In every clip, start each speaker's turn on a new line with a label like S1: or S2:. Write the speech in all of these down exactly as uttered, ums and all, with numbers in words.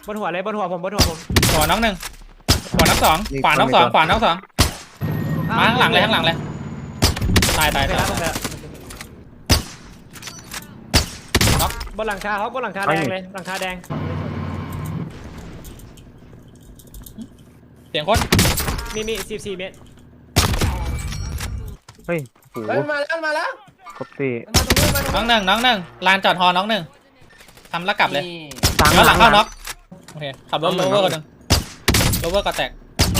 S1: บนหัวเลยบนหัวผมบนหัวผม
S2: หัวน้องหนึ่งหัวน้องสองขวาน้องสองขวาน้องสองมาข้างหลังเลยข้างหลังเลยตายตาย
S1: ไป
S2: ตาย
S1: แล้วน็อกบนหลังคาเขาบนหลังคาแดงเลยหลังคาแดง
S2: เสียงคน
S1: มีมีสิบสี่เมตร
S3: เฮ้ยโห
S4: เฮ้ยมาแล้วมาแล้ว
S3: ครบสี่
S4: มาตรงนี้มาตรง
S2: น้องหนึ่งน้องหนึ่งลานจอดฮอน้องหนึ่งทำแล้วกลับเลย
S4: นี่
S2: ย้อนหลังเข้าน็อกโอเคขับรถโรเวอร์คนหนึ่งโรเวอร์ก็แตก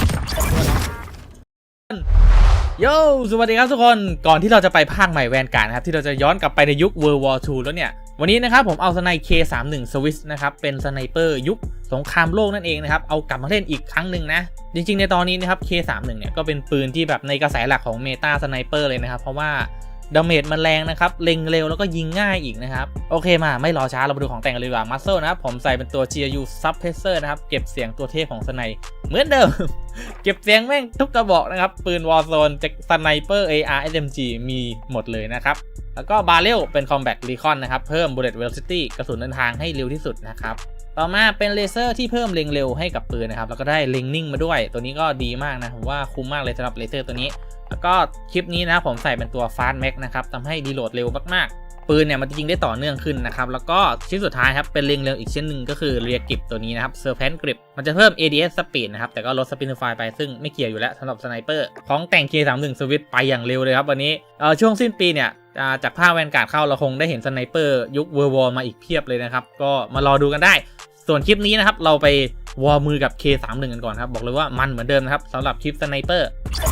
S2: โย่สวัสดีครับทุกคนก่อนที่เราจะไปภาคใหม่แวนการ์ดนะครับที่เราจะย้อนกลับไปในยุค World War ทู แล้วเนี่ยวันนี้นะครับผมเอาสไน เค สามสิบเอ็ด Swiss นะครับเป็นสไนเปอร์ยุคสงครามโลกนั่นเองนะครับเอากลับมาเล่นอีกครั้งหนึ่งนะจริงๆในตอนนี้นะครับ เค สามสิบเอ็ด เนี่ยก็เป็นปืนที่แบบในกระแสหลักของเมตาสไนเปอร์เลยนะครับเพราะว่าดาเมจมันแรงนะครับเล็งเร็วแล้วก็ยิงง่ายอีกนะครับโอเคมาไม่รอช้าเราไปดูของแต่งกันเลยดีกว่ามัสเซิลนะครับผมใส่เป็นตัว จี ยู Suppressor นะครับเก็บเสียงตัวเทพของสไนเหมือนเดิม เก็บเสียงแม่งทุกกระบอกนะครับปืน Warzone จากสไนเปอร์ เอ อาร์ เอส เอ็ม จี มีหมดเลยนะครับแล้วก็บาเรลเป็น Combat Recon นะครับเพิ่ม Bullet Velocity กระสุนเดินทางให้เร็วที่สุดนะครับต่อมาเป็นเลเซอร์ที่เพิ่มเล็งเร็วให้กับปืนนะครับแล้วก็ได้เล็งนิ่งมาด้วยตัวนี้ก็ดีมากนะผมว่าคุ้มมากเลยสำหรับเลเซอร์ตัวนี้แล้วก็คลิปนี้นะผมใส่เป็นตัว Fast Max นะครับทำให้รีโหลดเร็วมากๆปืนเนี่ยมันจะยิงได้ต่อเนื่องขึ้นนะครับแล้วก็ชิ้นสุดท้ายครับเป็นเล็งเร็วอีกชิ้นหนึ่งก็คือเรียกริปตัวนี้นะครับ Serpent Grip มันจะเพิ่ม เอ ดี เอส Speed นะครับแต่ก็ลด Spinify ไปซึ่งไม่เกี่ยวอยู่แล้วสำหรับสไนเปอร์ของแต่ง เค สามสิบเอ็ด Swiss ไปอย่างเร็วเลยครับวันนี้เอ่อช่วงสิ้นปีเนี่ยจากภาคแวนการ์ดเข้าเราคงได้เห็นสไนเปอร์ยุค World War มาอีกเพียบเลยนะครับก็มารอดูกันได้ส่วนคลิปนี้นะครับเราไปวอร์มือกับ เค สามสิบเอ็ด กันก่อนครับบอกเลยว่ามันเหมือนเดิมนะครับสำหรับคลิปสไนเปอร์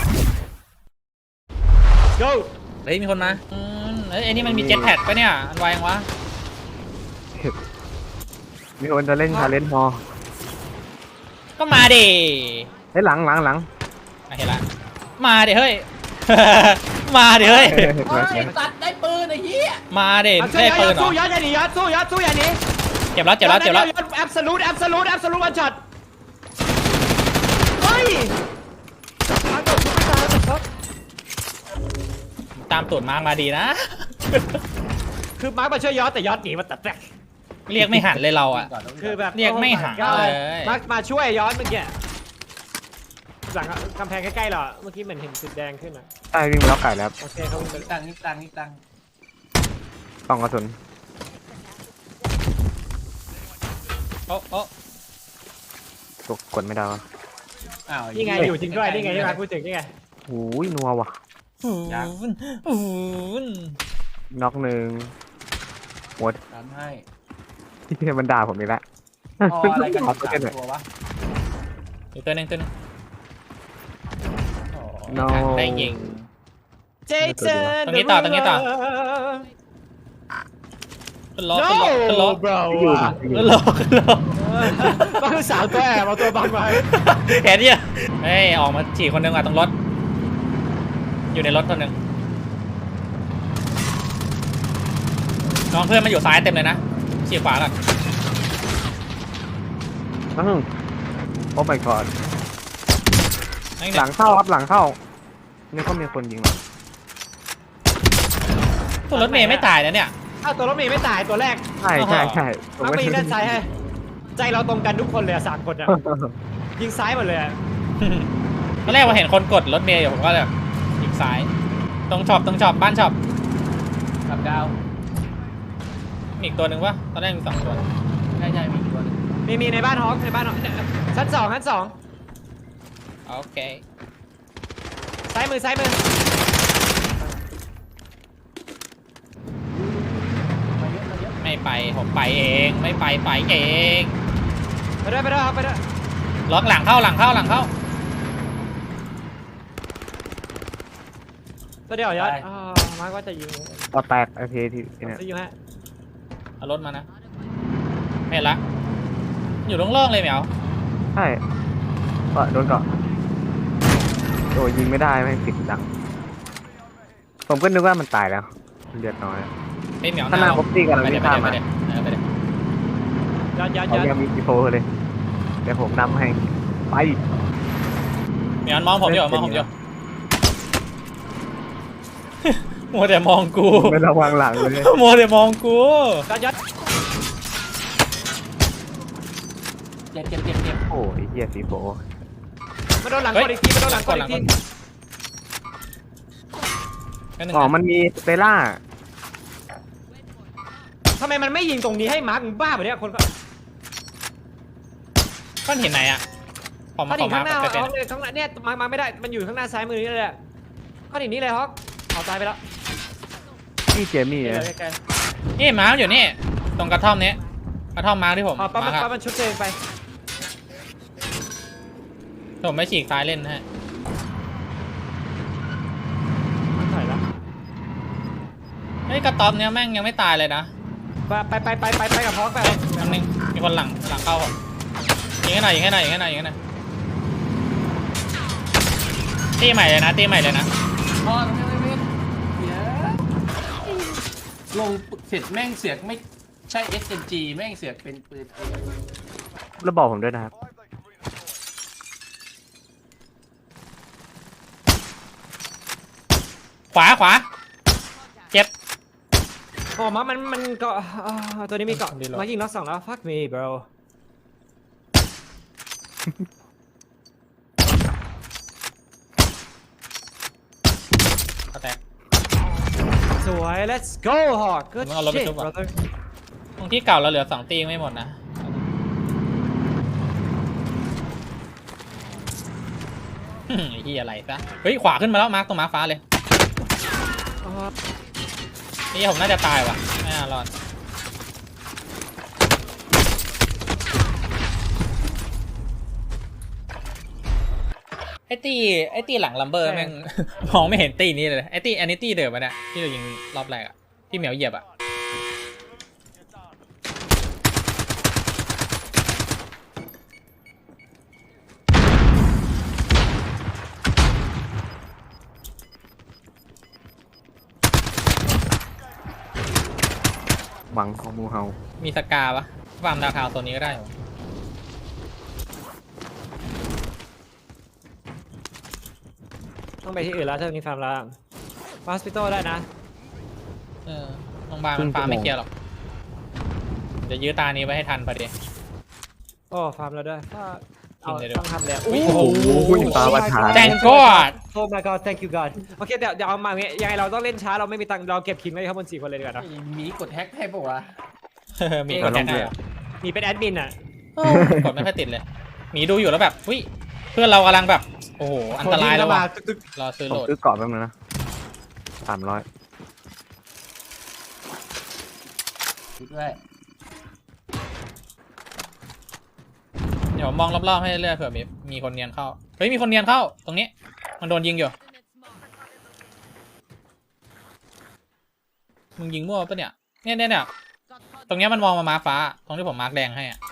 S1: go
S2: เฮ้ยมีคนมาอืมเอ้ยไอ้นี่มันมีเจ็ตแพดปะเนี่ยอันไวยังวะ
S3: มีคนจะเล่นชาเลนจ์มอ
S2: ก็มาดิ
S3: เฮ้ยหลังหลังหลัง
S2: เห็นละมาดิเฮ้ย มาดิเฮ้ย
S4: โอ้ยตัดได้ปืนไอ้เหี้ย
S2: มาดิ
S1: เอา
S2: ได้ปืนเหร
S1: สู้
S2: อ
S1: ยัดอย่าหนียัดสู้ยัดสู้อย่าหนี
S2: เจ็บแล้วเจ็บแล้วเจ็บแล้ว
S1: แอบสูดแอบสูดแอบสูดวันช็อตเฮ้ยมาตกไม่ตายตก
S2: ตามตูดมาร์กมาดีนะ
S1: คือมาร์คมาช่วยยอดแต่ยอดหนีมาตัดแตก
S2: เรียกไม่หันเลยเราอ่ะ
S1: คือแบบ
S2: เรียกไม่หาเลย
S1: มาร์คมาช่วยยอดเมื่อกี้หลังกำแพงใกล้ๆเราเมื่อกี้เหมือนเห็นจุดแดงขึ้นอ่ะ
S3: ใต้วิ่งมาแล้วไก่แล้ว
S1: โอเคเขาวิ่งไป
S4: นี่ตังค์นี่ตังค์นี่ตังค์
S3: กล่องกระสุน
S2: โอ้โอ้
S3: ตกกดไม่ได้วะ
S4: อ้าว
S1: นี่ไงอยู่จริงด้วยนี่ไงที่มาพูดถึงนี่ไง
S3: โอ้ยนัวว่ะ
S2: หูนหูน
S3: น็อกหนึ่งหมด
S4: ทำให้
S3: ที่มันด่าผมอีกแล้ว
S4: พออะไรกัน
S3: ขอ
S4: สา
S3: เล่
S4: ม
S3: นหน่อย
S4: ตัววะ
S2: อีกตัวหนึงตัวหนึงโอ้
S3: No
S2: ได้ยิง
S1: เจเจน
S2: ตรงนี้ต่อตรงนี้ต่อ ขึ้นล้อขึ้นล้อขึ้นล้อ
S1: bro
S3: อยู่
S1: อ่ะ
S3: อยู่
S2: ขึ้นล้อขึ้นล้อ
S1: ก็คือสาวตัวแอบเอาตัวบังไว้
S2: เห็นยังเฮ้ยออกมาฉี่คนหนึงอ่ะตรงรถอยู่ในรถคนหนึ่งน้องเพื่อนมาอยู่ซ้ายเต็มเลยนะฉี่ขวาก่อน
S3: อื้อโอ้ my god
S2: นั่น
S3: หลังเข้าครับหลังเข้านี่ก็มีคนยิงหรอ
S2: ตัวรถเมย์ไม่ตายนะเนี่ย
S1: อ้าวตัวรถเมย์ไม่ตายตัวแรก
S3: ใช่ใช่ใช่
S1: มักไปยิงด้านซ้ายให้ใจเราตรงกันทุกคนเลยอะสามคนอะยิงซ้ายหมดเลยอะ
S2: ตอนแรกว่าเห็นคนกดรถเมย์อยู่ผมก็แบบยิงซ้ายตรงช็อปตรงช็อปบ้านช็อป
S4: กับดาว
S2: มีอีกตัวหนึ่งวะตอนแรกมีสองตัว
S4: ใช่ใช่มีอีกตัวหนึง
S1: มีมีในบ้านฮอกในบ้านฮอกชั้นสองชั้นสอง
S2: โอเค
S1: ซ้ายมือซ้ายมือ
S4: มาเยอะมาเยอะ
S2: ไม่ไปผมไปเองไม่ไปไปเอง
S1: ไปด้วยไปด้วยครับไปด้วย
S2: ล็อกหลังเข้าหลังเข้าหลังเข้า
S1: ตัวเดียวยอดอ๋อมาร์คว่าจะยิง
S3: ต่อแตกไอพีที่เนี่ย
S1: ซีอยู่ฮะ
S2: เอารถมานะไม่เห็นละอยู่โล่งๆเลยเหมียว
S3: ใช่ก็โดนเกาะโอ้ยิงไม่ได้ไม่ติดดังผมก็นึกว่ามันตายแล้วเลือดน้อย
S2: เป็นเหมียว
S3: ข้างหน้าพบตีกัน
S2: ไป
S3: แล้ว
S2: เดี๋
S3: วิ่
S2: ยว
S3: ง
S2: ไป
S3: ข้าม
S2: เดี๋ยว
S3: มา
S2: ไปเดี๋ยวไปเดี๋ยวย
S1: อดยอดย
S3: เขา
S1: อด
S3: ยังมีซีโฟเลยเดี๋ยวผมนำให้ไป
S2: เหมียวมองผมอยู่มองผมอยู่ มัวแต่มองกู
S3: ไม่ระวังหลังเลย
S2: มัวแต่มองกู
S1: ยอดยอด
S4: เจ็บเจ็บเจ็บเจ็บ
S3: โอ้ยเฮียสีโฟ
S1: มาโดนหลังกดอีกทีมาโดนหลังกดอีกที
S2: แค่นึง
S3: อ๋อ
S2: นะ
S3: มันมีสเตล่า
S1: ทำไมมันไม่ยิงตรงนี้ให้มาร์คมึงบ้าแบบเนี้ยคนก็
S2: ก้อนหินไหนอ่ะขอ
S1: ก้
S2: มา
S1: อน
S2: ข
S1: หิ
S2: อน มา
S1: ข้างหน้า
S2: ไปเป็น
S1: ฮอกเลยข้างหน้าเนี่ยมาร์คมาร์คไม่ได้มันอยู่ข้างหน้าซ้ายมือนี่เลยก้อนหินนี้เลยฮอกเอาตายไปแล้ว
S3: พี่เจมี่
S1: นี่
S3: นะ
S1: เลยไกล
S2: นี่มาร์คอยู่นี่ตรงกระท่อมนี้กระท่อมมาร์คที่ผม
S1: ๆเอาปั๊บ
S2: มา
S1: มัน
S2: ร์ค
S1: ปั๊บมันชุบตัวเองไป
S2: ผมไม่ฉีกซ้ายเล่นฮะ
S1: มันถอยแล้ว
S2: เฮ้ยกระต๊อบเนี้ยแม่งยังไม่ตายเลยนะ
S1: ไปไปไปไปไปกับฮอกไป
S2: เฮ้ยอันนึงมีคนหลังหลังเข้าผมยิงให้หน่อยยิงให้หน่อยยิงให้หน่อยยิงให้หน่อยตีใหม่เลยนะตีใหม่เลยนะ
S4: อ๋อไม่ไม่ไม่เดี๋ยวลงเสร็จแม่งเสือกไม่ใช่ เอส เอ็ม จี แม่งเสือกเป็นปืน
S3: แล้วบอกผมด้วยนะครับ
S2: ขวาขวาเจ็บ
S1: โอ้มามันมันเกาะอ่าตัวนี้มีเกาะ
S2: ดีแล้ว
S1: มายิงน็อกสองแล้ว fuck me bro
S2: เขาแตก
S1: สวย let's go hawk good
S2: มึงเอารถไป
S1: shit
S2: ชุบอะ
S1: brother
S2: ตรงที่เก่าเราเหลือสองตียังไม่หมดนะอืมไอ้ที่อะไรซะเฮ้ยขวาขึ้นมาแล้วมาร์คตรงมาร์คฟ้าเลย
S1: อ๋อ
S2: นี่ผมน่าจะตายว่ะไม่น่ารอดไอ้ตีไอ้ตีหลังลัมเบอร์แม่ง มองไม่เห็นตีนี้เลยไอ้ตีอันนี้ตีเดิมปะเนี่ยที่เรายิงรอบแรกอะที่เหมียวเหยียบอะ
S3: หวังของมูเฮา
S2: มีสกาปะฟาร์มดาวคาวตัวนี้ก็ได้เหรอ
S1: ต้องไปที่อื่นแล้วถ้าตรงนี้ฟาร์มแล้วฮอสพิทอลได้นะ
S2: เออโรงพยาบาลมันฟาร์มไม่เคลียร์หรอกเดี๋ยวยื้อตานี้ไว้ให้ทันพอดี
S1: โอ้ฟาร์มแล้วด้วยถ้าเอา
S2: กินเลยด้วย
S1: ต้องทำแล้ว
S2: โอ้
S1: โอ้
S2: โห
S3: โอ้ยตาวัดฐาน
S2: แตงก็อด
S1: โอ้ my god thank you god โอเคเดี๋ยวเดี๋ยวเอามาอย่างเงี้ยยังไงเราต้องเล่นช้าเราไม่มีตังค์เราเก็บคิงไว้ข้างบนสี่คนเลยดีกว่าเนอะ
S4: หมีกดแฮกให้ปะวะ
S2: มีคนแทงให้อะ
S1: มีเป็นแอดมินอ่ะ
S2: เออกดไม่ค่อยติดเลยหมีดูอยู่แล้วแบบอุ้ยเพื่อนเรากำลังแบบโอ้โหอันตรายแล้วว่ะ
S1: ตึก
S2: รอซื้อ
S3: ผ
S2: โห
S3: ม
S2: ลด
S3: ซื้อเกราะแป๊บนึงนะสามร้อย
S4: ดูด้วย
S2: เดี๋ยวมองรอบๆให้เรื่อยเผื่อมีมีคนเนียนเข้าเฮ้ยมีคนเนียนเข้าตรงนี้มันโดนยิงอยู่มึงยิงมั่วปะเนี่ยเนี่ยเนี่ยเนี่ยตรงเนี้ยมันมองมามาร์คฟ้าตรงที่ผมมาร์คแดงให้อะ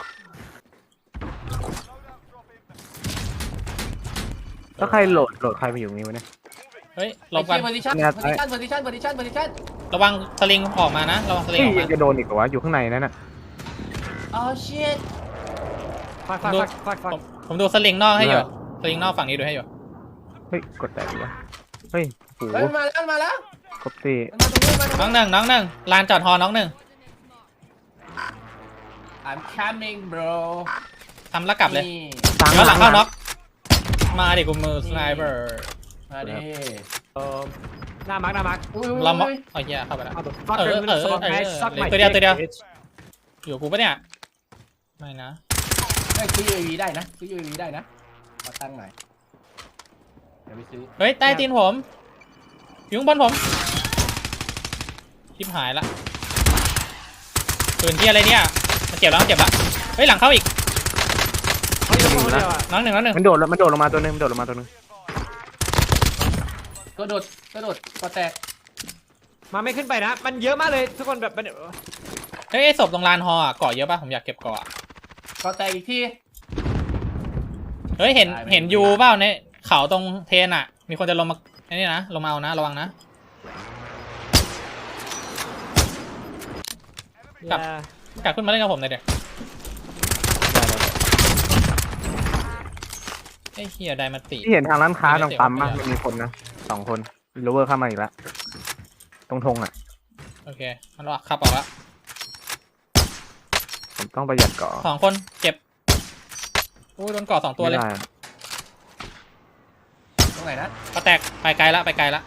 S3: แล้วใครโหลดโหลดใครมาอยู่ตรงนี้วะเนี่ย
S2: เฮ้ยหลบกัน
S4: โพซิชั่น
S3: เนี่ย
S4: โพซิชั่นโพซิชั่นโพซิชั่นโพซิชั่น
S2: ระวังสลิงออกมานะระวังสลิง
S3: เฮ้ย
S2: ออก
S3: ยั
S2: มาง
S3: จะโดนอีกเหรอวะอยู่ข้างในนั่นน่ะ
S4: อ๋อชิต
S1: ฟักฟักฟักฟักฟัก
S2: ผมผมดูสลิงนอกให้อยู่สลิงนอกฝั่งนี้ดูให้อยู่
S3: เฮ้ยกดแต่ดีวะเฮ้ยโห
S4: เฮ้ยมาแล้วมาแล้ว
S3: ครบสี่
S4: มาตรงนี้มาตรง
S2: น้อง
S4: นี้
S2: หนึ่งน้องหนึ่งลานจอดฮอน้องหนึ่ง
S4: I'm coming bro
S2: ทำแล้วกลับเลย
S4: นี่
S3: ตัง
S2: ย้อนหลังเข้าน็อกมาดิกูมือสไนเปอร์
S4: มาดิ
S1: เอ่อหน้ามาร์กหน้ามาร์ก
S4: อุ้ย
S2: เรามอ
S4: อุ้ย
S2: เอาเหี้ยเข้าไปแล้ว
S1: เอาแบบฟัก
S2: เออ
S1: กัน
S2: เออ
S1: สมอง
S2: เออ
S1: ไง
S2: เออ
S1: ซักใหม่
S2: ตัวเดียวตัวเดียว อยู่กูปะเนี่ยไม่นะ
S4: เฮ้ยซื้อ ยู เอ วี ได้นะซื้อ ยู เอ วี ได้นะมาตั้งหน่อยเดี๋ยวไปซื้อ
S2: เฮ้ยใต้ตีนผมอยู่ข้างบนผมชิบหายละปืนที่อะไรเนี่ยมันเจ็บแล้วมันเจ็บละเฮ้ยหลังเข้าอีก
S1: เขาอยู่คนเดียวอ่ะ
S2: น้องหนึ่งน้องหนึ่ง
S3: มันโดดแล้วมันโดดลงมาตัวนึงมันโดดลงมาตัวนึง
S4: กระโดดกระโดดกระแตก
S1: มาไม่ขึ้นไปนะ มันเยอะมากเลยทุกคนแบบมัน
S2: เฮ้ยไอ้ศพตรงลานฮออะเกาะเยอะป่ะผมอยากเก็บเกาะอะ
S4: กระแตกอีกที
S2: เฮ้ยเห็น
S4: ได้ไหม
S2: เห็นยูเปล่าในเขาตรงเทนอะมีคนจะลงมาไอ้นี่นะลงมาเอานะระวังนะ กลับ
S1: อย่าก
S2: ลับขึ้นมาเล่นกับผมหน่อยเดี๋ยวไอ้เฮียไดมาติ
S3: ที่เห็นทางร้านค้าตรงปั๊ม
S2: ไม่
S3: มั้
S2: ได้
S3: มันมีคนนะสองคนโรเวอร์เข้ามาอีกแล้วตรงธงอ่ะ
S2: โอเคมันออกขับออกแล้ว
S3: ผมต้องประหยัดเกาะ
S2: สองคนเก็บอ้ยโดนก่อสองตัวเลย
S3: ไม่ได้
S4: ตรงไหนนะ
S2: ก็แตกไปไกลละไปไกลละ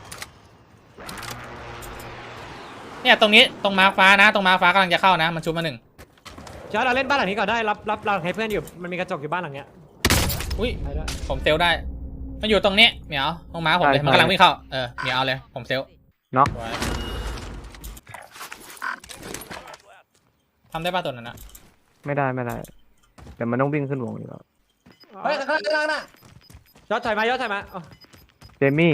S2: เนี่ยตรงนี้ตรงม้าฟ้านะตรงม้าฟ้ากำลังจะเข้านะมันชุบมาหนึ่ง
S1: เดี๋ยวเราเล่นบ้านหลังนี้ก่อนได้รับรับเราให้เพื่อนอยู่มันมีกระจกอยู่บ้านหลังเนี้ย
S2: อุ้ย
S1: ไปด้วย
S2: ผมเซลได้มันอยู่ตรงนี้เหมียวตรงม้าผมเลยมันกำลังวิ่งเข้าเออเหมียวเอาเลยผมเซล
S3: น็อก
S2: ไว้ทำได้ป่ะตัวนั้นนะ
S3: ไม่ได้ไม่ได้แต่มันต้องวิ่งขึ้นวงอยู่แล้ว
S4: เฮ้ยข้างล่างข้างล่างน่ะ
S1: ยอดถอยมายอดถอยมาอ๋อ
S3: เจมี่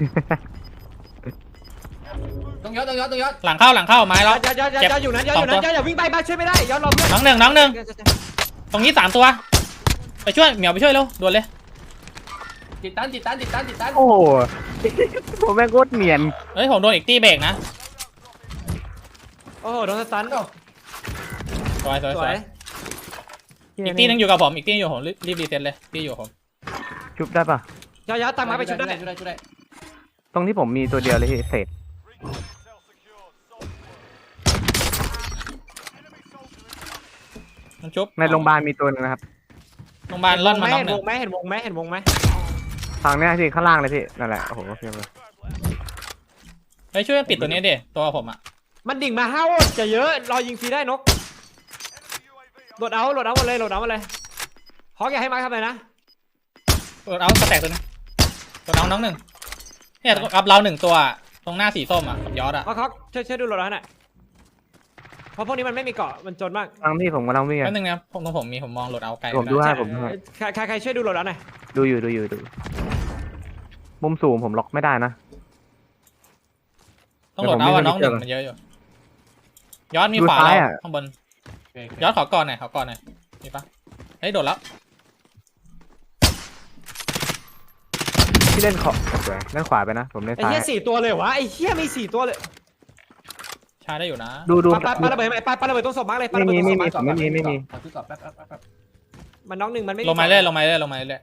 S4: ต้องยอดต้องยอดต้องยอด
S2: หลังเข้าหลังเข้าไม้
S1: ย
S2: แล้
S1: อ
S2: ว
S1: ดยอดยอดยอด
S2: เจ็บ
S1: ยอดอยู่นั้นยอดอยู่
S2: สอง
S1: นั้น
S2: ตั
S1: ยว อดอย่าวิ่งไปบ้านช่วยไม่ได้ยอดรอเพื่อน
S2: น้องหนึ่งน้องหนึ่งตรงนี้สามตัวไปช่วยเหมียวไปช่วยเร็วด่วนเลย
S4: ติดตันติดตันติดตันติดตัน
S3: โอ้โห ผมแม่งโคตรเนียน
S2: เฮ้ยผมโดนอีกตีเบรกนะ
S1: โอ้โหโดนสตัน
S2: สวยสวย
S1: ส
S2: ส
S1: ว
S2: วย ยอีกตีนึงอยู่กับผมอีกตีอยู่กับผมรีบรีบรีเซ็ตเลยตีอยู่กับผม
S3: ชุบได้ปะ
S1: ยอดยอดตามมาไปชุดได้
S4: ช่วยได้ช่วยได้
S3: ตรงที่ผมมีตัวเดียวเลยที่เศษ
S2: มันชุบ
S3: ในโรงพยาบาลมีตัวหนึงนะครับ
S2: โรงพยาบาลล่อนมาน้อง
S1: เห็น
S2: หนึ่
S1: ว
S2: ง
S1: งไหมเห็นวงไหมเห็นวงไหม
S3: ทางเนี้ยที่ข้างล่างเลยพี่นั่นแหละโอ้โหเพียบเลย
S2: เฮ้ยช่วยปิดตัวนี้ดิตัวผมอ่ะ
S1: มันดิ่งมาห้าวจะเยอะรอยิงฟรีได้นกโหลดเอาโหลดเอาหมดเลยโหลดเอาหมดเลยฮอกอย่าให้มาร์คทำเลยนะ
S2: ตัวเอาสแต็กตัวนึงตัวน้องน้องหนึ่งเนี่ยกับเราหนึ่งตัวตรงหน้าสีส้มอ่ะกับยอดอ่ะ
S1: ฮอกฮอกช่วยช่วยดูโหลดเอาหน่อยเพราะพวกนี้มันไม่มีเกาะมันจนมาก
S3: ทางที่ผมกำลังวิ่ง
S2: แป๊
S3: อะ
S2: บนึงนะผมตรงผมมีผมมองโหลดเอาไกล
S3: ผมดู ให้ผมดูให้
S1: ใครใครใครช่วยดูโหลดเอาหน่อย
S3: ดูอยู่ดูอยู่ดูมุมสูงผมล็อกไม่ได้นะ
S2: ต้องโหลดเอาอ่ะน้องหนึ่ง
S3: เดี๋ยวผม
S2: มันเยอะอยู่ยอดมี
S3: ดู
S2: ขวา
S3: ซ้าย
S2: เรา
S3: อะ
S2: ข้างบน
S4: โอเค
S2: ยอดขอก่อนหน่อยขอก่อนหน่อยมีปะเฮ้ยโดดแล้ว
S3: ที่เล่นขอสวยเล่นขวาไปนะ ผมเล่น
S1: ไอ้
S3: ซ้าย
S1: เหี้ยสี่ตัวเลยวะไอ้เหี้ยมีสี่ตัวเลย
S2: ชาได้อยู่นะ
S3: ดูดู
S1: ปาปาระเบิดไหมปาปาระเบิดตรงศพมาร์กเลยปา
S3: ไม่
S1: ระเบิด
S3: มี
S1: ตรงศ
S3: ไม่
S1: พ
S3: มี
S1: มาร์ก
S3: ไม่มีไม่มี
S4: ขอชุดก่อนแป๊บแป๊บแป๊บแป๊บ
S1: มันน้องหนึ่งมันไม่
S2: ลงมาเรื่อยลงมาเรื่อยลงมาเรื่อย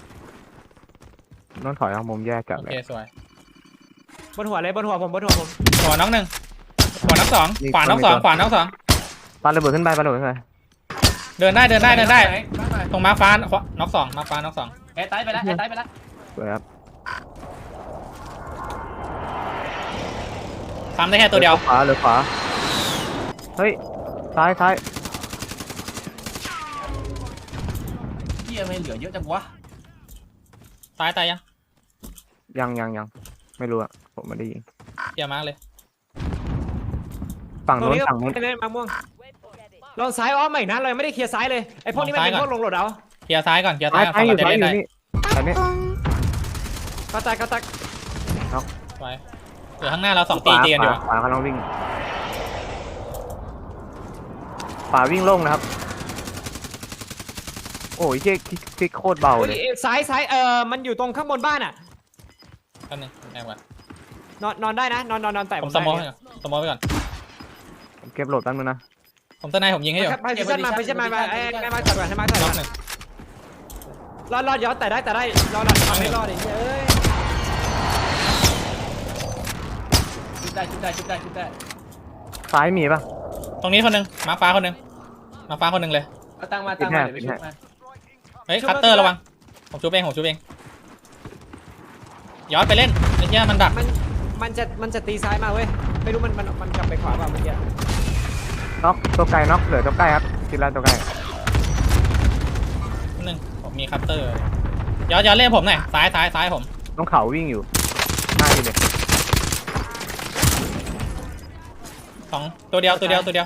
S3: ต้องถอยทางมุมแยกจับ
S2: โอ
S3: เล
S2: เค
S3: ย
S2: สวย
S1: บนหัวเลยบนหัวผมบนหัวผม
S2: หัวน้องหนึ่งหัวน้องสอง
S3: มี
S2: ขวาน้องสอง
S3: มีตัว
S2: ขวาน้องสอง
S3: ปาระเบิดขึ้นไปปาระเบิดขึ้นไป
S2: เดินได้เดินได้เดินได้
S4: หมาหน่อย
S2: ตรงม้าฟ้าขวาน้องสองม้าฟ้าน้องสอง
S4: แอร์ไตไปแล้วแอร์ไตไปแล้ว
S3: สวยครับ
S2: ทำได้แค่ตัวเดียว
S3: ขวาหรือขวาเฮ้ยซ้ายซ้าย
S4: เหี้ยไม่เหลือเยอะจังวะ
S2: ตายตายยัง
S3: ยังยังยังไม่รู้อะผมไม่ได้ยิง
S2: เกียร์มาร์กเลย
S3: ฝั่ง
S1: ตรง
S3: โน้น
S1: นี้ก็
S3: ฝั่งโน้น
S1: ไม่ได้มาม่วงลองซ้ายอ้อมใหม่นะเรายังไม่ได้เคลียร์ซ้ายเลยไอ้พวกนี้มันเป็นพวกลงโหลดเอา
S2: เกียร์ซ้ายก่อนเกียร์
S3: ซ้า
S2: ซ้าย ยก่อน
S3: ซ้าย
S2: ฝั่ง
S3: อยู่
S2: เราจะ
S3: ซ้าย
S2: เล่น
S3: อยู่
S2: ได้
S3: นี่ตอนนี้
S1: ก็ตักก็ตัก
S2: ไว้เดี๋ยวข้างหน้าเราสองตีตีกันอยู่
S3: ขวาขวาเขาต้องวิ่งขวาวิ่งโล่งนะครับ โอ้ยเจ๊คลิกคลิกโคตรเบา
S1: เฮ้ย
S3: เลย
S1: ซ้ายซ้ายเออมันอยู่ตรงข้างบนบ้านอ่ะ
S2: แป๊บนึงแอบก่อน
S1: นอนนอนได้นะนอนนอนนอนแต่
S2: ผมสมองไปก่อนสมองไปก่อน
S3: ผมเก็บโหลดแป๊บนึงนะ
S2: ผมตะนายผมยิงให้อยู่
S1: ไปพิชันมาพิชันมาไอ้ไอ้มาจับก่อนให้มาจับ
S2: น็
S1: ก่
S2: อ
S1: อก น
S2: หนึ่ง
S1: รอดรอดย้อนแต่ได้แต่ได้รอดรอดทำไม่รอดไอ้เอ้ย
S4: ชุดได้ชุดได้ชุดได้ชุดได้
S3: ซ้ายมีปะ
S2: ตรงนี้คนหนึ่งม้าฟ้าคนหนึ่งม้าฟ้าคนหนึ่งเลย
S4: เอาตั้งมาตั้งมาเดี๋ยวไปชุดมา
S2: เฮ้ยคัตเตอร์ระวังผมชูเองผมชูเองย้อนไปเล่นไอ้เหี้ยมันดัก
S1: มันมันจะมันจะตีซ้ายมาเว้ยไม่รู้มันมันมันกลับไปขวาเปล่าเมื่อกี้
S3: น็อกตัวไกลน็อกเหลือตัวใกล้ครับทีละตัวใกล้
S2: หนึ่งผมมีคัตเตอร์ย้อนย้อนเล่นผมหน่อยซ้ายซ้ายซ้ายผม
S3: ต้องเขาวิ่งอยู่หน้าที่เลย
S2: สองตัวเดียวตัวเดียวตัวเดียว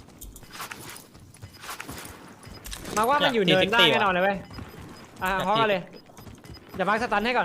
S1: มาว่ามันอยู่เนินได้
S2: อยาก
S1: แน่นอนเลยเว้ยอ่ะ
S2: อยาก
S1: ฮอก
S2: ตี
S1: เอาเลยอย่ามาร์คสตันให้ก่อน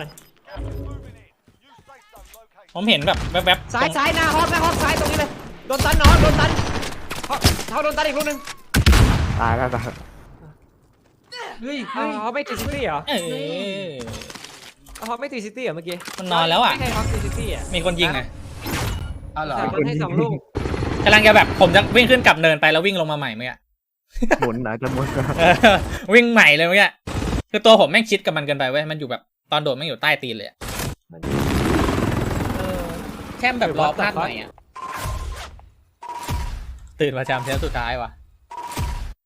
S2: ผมเห็นแบบแวบๆ
S1: ซ้าย
S2: ตรง
S1: ซ้ายหน้าฮอกหน้าฮอกซ้ายตรงนี้เลยโดนตันนอนโดนตันฮอกเขาโดนตันอีกลูกนึง
S3: ตายแล้วตาย
S4: เฮ้ย
S1: อ๋
S4: เฮ้ย
S1: อไม่ตีซิตี้เหรอ
S2: เออ
S1: ฮอกไม่ตีซิตี้เหรอเมื่อกี้
S2: มันนอนแล้วอ่ะ
S1: ไม่ใช่ฮอกตีซิตี้อ่ะ
S2: มีคนยิงไง
S4: เอาเหรอ
S1: แต่มันให้สองลูก
S2: กำลังจะแบบผมจะวิ่งขึ้นกลับเนินไปแล้ววิ่งลงมาใหม่เมื่อกี้
S3: หมุนนะจะหมุนนะ
S2: เออวิ่งใหม่เลยเมื่อกี้คือตัวผมแม่งชิดกับมันเกินไปเว้ยมันอยู่แบบตอนโดดแม่งอยู่ใต้ตีนเลยอะ
S1: เออ
S2: แค่แบบรอพลาดหน่อยอ่ะตื่นมาจำเทปสุดท้ายว่ะ